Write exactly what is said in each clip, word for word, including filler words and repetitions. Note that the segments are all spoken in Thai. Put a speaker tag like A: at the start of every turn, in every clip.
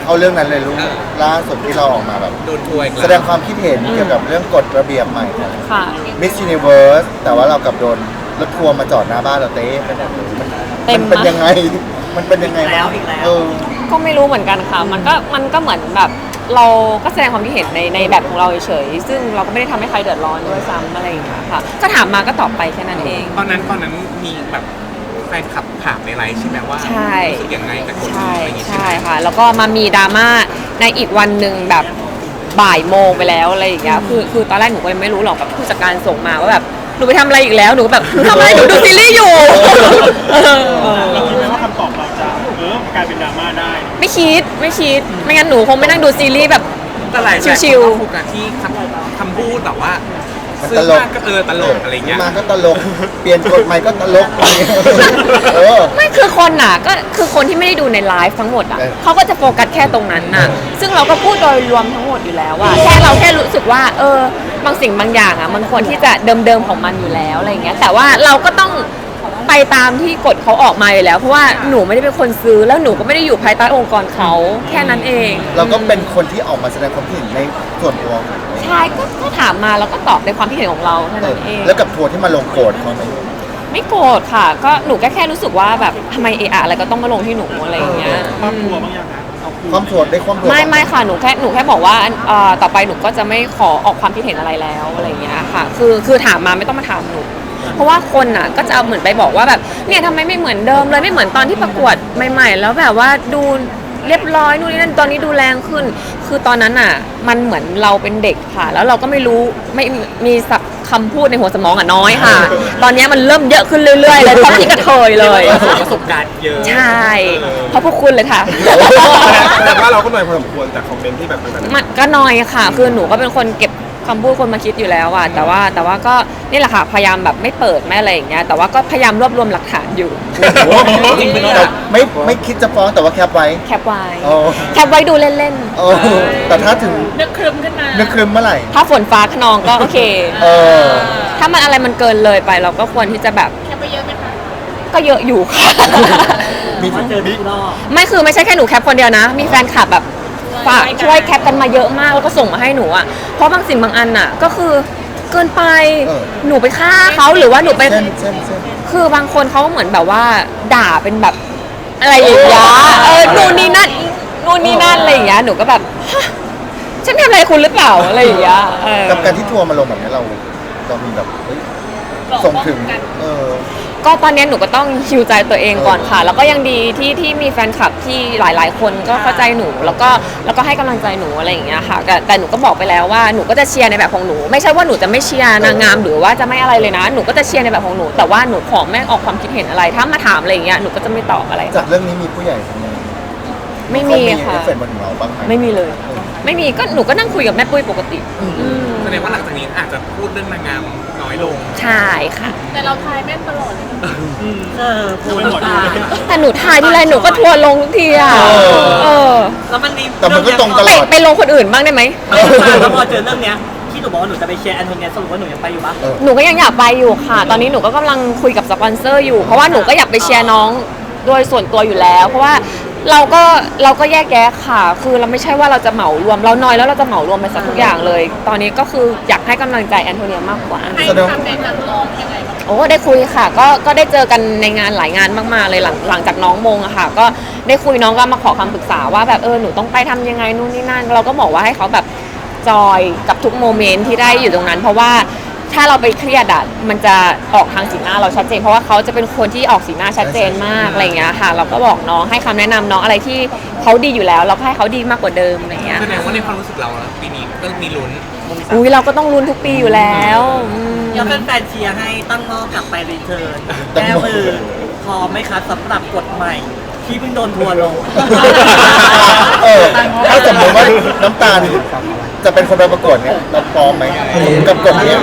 A: เอาเรื่องนั้นเลยลูกล่าสุดที่เราออกมาแบบ
B: โดนทัวร์อีก
A: แส
B: แล้ว
A: ดงความคิดเห็นเกี่ยวกับเรื่องกฎระเบียบใหม่ของ
C: ค่ะ
A: Miss Universe แต่ว่าเรากลับโดนรถทัวร์มาจอดหน้าบ้านเราเต้ไปหมดเลยมัน
C: เต็ม
A: มันเป็น
C: นะ
A: ยังไง มันเป็นยังไงบ้างเออ
C: ก็ไม่รู้เหมือนกันค่ะ มันก็มันก็เหมือนแบบเราก็แสดงความคิดเห็นในในแบบของเราเฉยๆซึ่งเราก็ไม่ได้ทำให้ใครเดือดร้อนด้วยซ้ำอะไรอย่างเงี้ยค่ะก็ถามมาก็ตอบไปแค่นั้นเอง
B: ตอนนั้นตอนนั้นมีแบบแฟนคลับถามในไลฟ์ใช่ไหมว่า
C: ใช่
B: รู้สึกยังไงกับคนนี้
C: ใช่
B: อะไรอย่างงี้ใช่
C: ใช่
B: ไหม
C: ค่ะ แล้วก็มามีดราม่าในอีกวันหนึ่งแบบบ่ายโมงไปแล้วอะไรอย่างเงี้ยคือคือตอนแรกหนูก็ยังไม่รู้หรอกแบบผู้จัดการส่งมาว่าแบบหนูไปทำอะไรอีกแล้วหนูก็แบบทำอะไรหนูดูซีรีส์อยู่
D: เราคิดไหมว่าคำตอบเราจะเออกลายเป็นดราม่าได้
C: ไม่คิดไม่คิดไม่งั้นหนูคงไม่นั่งดูซีรีส์แบบ
B: แต่หลาย
C: ชิวๆ
B: ๆโฟกัสที่คำคำพูดแบบว่า
A: มัน
B: ซื้
A: ต
B: อ
A: ลก
B: มากก็เออตลกอะไรเงี้ย
A: มาก็ตลก เปลี่ยนกฎใหม่ก็ตลกเออ
C: ไม่คือคนน่ะก็คือคนที่ไม่ได้ดูในไลฟ์ทั้งหมดอ่ะ
A: เออ
C: เขาก็จะโฟกัสแค่ตรงนั้นน่ะซึ่งเราก็พูดโดยรวมทั้งหมดอยู่แล้วว่าแค่เราแค่รู้สึกว่าเออบางสิ่งบางอย่างอ่ะมันควรที่จะเดิมๆของมันอยู่แล้วอะไรอย่างเงี้ยแต่ว่าเราก็ต้องไปตามที่กฎเขาออกมาอยู่แล้วเพราะว่าหนูไม่ได้เป็นคนซื้อแล้วหนูก็ไม่ได้อยู่ภายใต้องค์กรเขาแค่นั้นเอง
A: เราก็เป็นคนที่ออกมาแสดงความคิดเห็นในส่วนตัวของตัวเอง
C: ใช่ก็ก็ถามมาแล้วก็ตอบในความคิดเห็นของเราแค่
A: เอ
C: นั้
A: อน
C: เอง
A: แล้วกับทัวร์ที่มาลงโกรธเขาไหม
C: ไม่โกรธค่ะ ก็หนูก็แค่รู้สึกว่าแบบทำไมเอะอะอะไรก็ต้องมาลงที่หนูอะไรอย่างเงี้ย
D: ความกลัวบางอย่างนะเอาคืน
A: ความทัวร์ได้ความทัวร์
C: ไม่ไม่ค่ะหนูแค่หนูแค่บอกว่าเอ่อต่อไปหนูก็จะไม่ขอออกความคิดเห็นอะไรแล้วอะไรอย่างเงี้ยค่ะ คือคือถามมาไม่ต้องมาถามหนู เพราะว่าคนน่ะก็จะเอาเหมือนไปบอกว่าแบบเนี่ยทำไมไม่เหมือนเดิมเลยไม่เหมือนตอนที่ประกวดใหม่ๆแล้วแบบว่าดูเรียบร้อยนู่นนี่นั่นตอนนี้ดูแรงขึ้น คือตอนนั้นอ่ะมันเหมือนเราเป็นเด็กค่ะ แล้วเราก็ไม่รู้ไม่มีสับคำพูดในหัวสมองอ่ะน้อยค่ะ ตอนนี้มันเริ่มเยอะขึ้นเรื่อยๆเลยเพราะพี่กระเทยเลย
B: ประสบการณ์เยอะ
C: ใช่เพราะพวกคุณเลยค่ะ
E: แต่ว่าเราก็หน่อยพอสมควรจากคอมเมนต์ที่แบบนั้น
C: มันก็น้อยค่ะ คือหนูก็เป็นคนเก็บคำพูดคนมาคิดอยู่แล้วอะแต่ว่าแต่ว่าก็นี่แหละค่ะพยายามแบบไม่เปิดไม่อะไรอย่างเงี้ยแต่ว่าก็พยายามรวบรวมหลักฐานอยู่
B: จริงไหม
A: แต่
B: เนี่ย
A: ไม่ไม่คิดจะฟ้องแต่ว่าแคปไว้
C: แคปไว้
A: โอ้
C: แคปไว้ดูเล่น
A: โอ้แต่ถ้าถึง
F: นึกครึมขึ้นมา
A: นึกครึมเมื่อไหร่
C: ๆ ถ้าฝนฟ้าขนองก็โอเค
A: เออ
C: ถ้ามันอะไรมันเกินเลยไปเราก็ควรที่จะแบบ
F: แค่ไปเยอะไหมคะ
C: ก็เยอะอยู่ค่ะ
A: มี
D: เจอทุกรอบ
C: ไม่คือไม่ใช่แค่หนูแคปคนเดียวนะ มีแฟนคลับแบบฝากช่วยแคปกันมาเยอะมากแล้วก็ส่งมาให้หนูอ่ะเพราะบางสิ่งบางอันอ่ะก็คือเกินไปหนูไปฆ่าเขาหรือว่าหนูไป
A: เส้นเส้นเส้น
C: คือบางคนเขาเหมือนแบบว่าด่าเป็นแบบอะไรอย่างเงี้ยเออนู่นนี่นั่นนู่นนี่นั่นอะไรอย่างเงี้ยหนูก็แบบฮะฉันทำอะไรคุณหรือเปล่าอะไรอย่างเงี้ยเออ
A: กับการที่ทัวร์มาลงแบบนี้เราเรามีแบบเฮ้ยส่งถึงเออ
C: ก็ตอนนี้หนูก็ต้องฮิวใจตัวเองก่อนค่ะ แล้วก็ยังดีที่ที่มีแฟนคลับที่หลาย ๆ คนก็เข้าใจหนูแล้วก็แล้วก็ให้กำลังใจหนูอะไรอย่างเงี้ยค่ะแต่แต่หนูก็บอกไปแล้วว่าหนูก็จะเชียร์ในแบบของหนูไม่ใช่ว่าหนูจะไม่เชียร์นางงามหรือว่าจะไม่อะไรเลยนะหนูก็จะเชียร์ในแบบของหนูแต่ว่าหนูขอแม่ออกความคิดเห็นอะไรถ้ามาถามอะไรอย่างเงี้ยหนูก็จะไม่ตอบอะไร
A: จากเรื่องนี้มีผู้ใหญ่คนหนึง
C: ไม่มี
A: เขา
C: ค่ะ
A: เอฟเฟกต์บนเราบ้างไหม
C: ไม่มีเลย ไม่มีก็หนูก็นั่งคุยกับแม่ปุ้ยปกติอืม
B: แสดงว่าหลังจากนี้อาจจะพูดเรื่องนางงามน้อยลง
C: ใช่ค่ะ
F: แต่เราทายแม่นตลอดเลยนะ
D: เออพูดหมดเลย
C: แต่หนูถ่ายทีไรหนูก็ทัวร์ลงทุกทีอ่ะเออ
D: แล้วมันมี
A: แต่มันก็ตรงตล
C: ไป
A: อด
C: ไปลงคนอื่นบ้างได้ไหม
D: ไม่ได้แล้วพอเจอเรื่องเนี้ยที่หนูบอกว่าหนูจะไปเชียร์แอนโทเนียสรุปว่าหนูยังไปอยู่ปะ
A: เออ
C: หนูก็ยังอยากไปอยู่ค่ะ ตอนนี้หนูก็กำลังคุยกับสปอนเซอร์อยู่ เพราะว่าหนูก็อยากไปเชียร์น้องโดยส่วนตัวอยู่แล้ว เพราะว่าเราก็เราก็แยกแยะค่ะ คือเราไม่ใช่ว่าเราจะเหมารวม เราน้อยแล้วเราจะเหมารวมไปสักทุกอย่างเลย ตอนนี้ก็คืออยากให้กำลังใจแอนโทเนียมากกว่า
F: ให้
A: แสดง
F: ทำในการลองยังไงบ้าง
C: โอ้ได้คุยค่ะ ก็ก็ได้เจอกันในงานหลายงานมากๆเลยหลังหลังจากน้องมงอะค่ะ ก็ได้คุยน้องก็มาขอคำปรึกษาว่าแบบเออหนูต้องไปทำยังไงนู่นนี่นั่น เราก็บอกว่าให้เขาแบบจอยกับทุกโมเมนต์ที่ได้อยู่ตรงนั้น เพราะว่าถ้าเราไปเครียดอะมันจะออกทางสีหน้าเราชัดเจน เพราะว่าเขาจะเป็นคนที่ออกสีหน้าชัดเจนมากอะไรอย่างเงี้ยค่ะ เราก็บอกน้องให้คำแนะนำน้องอะไรที่เขาดีอยู่แล้ว เราก็ให้เขาดีมากกว่าเดิมอะไรอย่างเงี้ย
B: แสดงว่าในความรู้สึกเราอะปีนี้ก็มีลุ้น
C: อุ้ยเราก็ต้องลุ้นทุกปีอยู่แล้วอืม
D: แล้วแฟนๆเชียร์ให้ตั้งงอกลับไปรีเทิร์นแก้มือพร้อมไหมคะสำหรับกฎใหม่ ที่เพิ่งโดนทัวร์ลง
A: เออถ้าสมมติว่าน้ำตาลจะเป็นคนไปประกวดเนี่ยเราพร้อมไหมกับกฎเนี้ย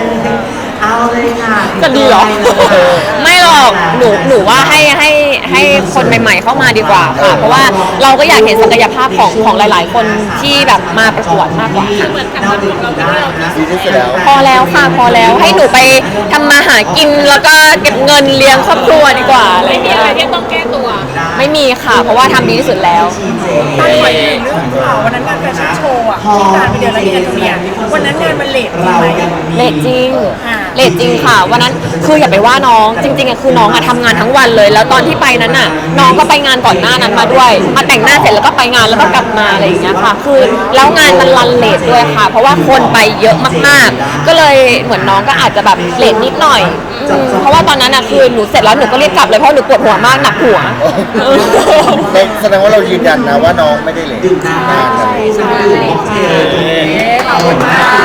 C: จะดีเหรอ ไม่หรอกหนูหนูว่าให้ให้ให้คนใหม่ๆเข้ามาดีกว่าค่ะ เพราะว่าเราก็อยากเห็นศักยภาพของของหลาย ๆ คนที่แบบมาประกวดมากกว่าค่ะ
F: เหมือนทำงานของเราที่เราที่
A: ดีที่สุดแล้ว
C: พอแล้วค่ะพอแล้วให้หนูไปทำมาหากินแล้วก็เก็บเงินเลี้ยงครอบครัวดีกว่าอะไร
F: ไม่มี
C: เงี้ย
F: อะไรที่ต้องแก้ตัว
C: ไม่มีค่ะ เพราะว่าทำดีที่สุดแล้ว
F: ตั้งไว้เอง
D: ข่าววันนั้นงานแฟชั่นโชว์อ่ะที่การไปเดินแล้วเนี่ยเนี่ยวันนั้นงานมันเลทจริงไหม
C: เลทจริง
D: อ่า
C: เลทจริงค่ะวันนั้นคืออย่าไปว่าน้องจริงๆอะคือน้องอะทำงานทั้งวันเลย แล้วตอนที่ไปนั้นน่ะน้องก็ไปงานก่อนหน้านั้นมาด้วย มาแต่งหน้าเสร็จแล้วก็ไปงานแล้วก็กลับมาอะไรอย่างเงี้ยค่ะ คือแล้วงานมันรันเลทด้วยค่ะ เพราะว่าคนไปเยอะมากๆ ก็เลยเหมือนน้องก็อาจจะแบบเลทนิดหน่อยอืมเพราะว่าตอนนั้นอะคือหนูเสร็จแล้วหนูก็รีบกลับเลยเพราะหนูปวดหัวมากหนักหัว
A: แสดงว่าเรายืนยันนะว่าน้องไม่ได้เลย
C: ใช่ใช่
D: ขอบคุณมาก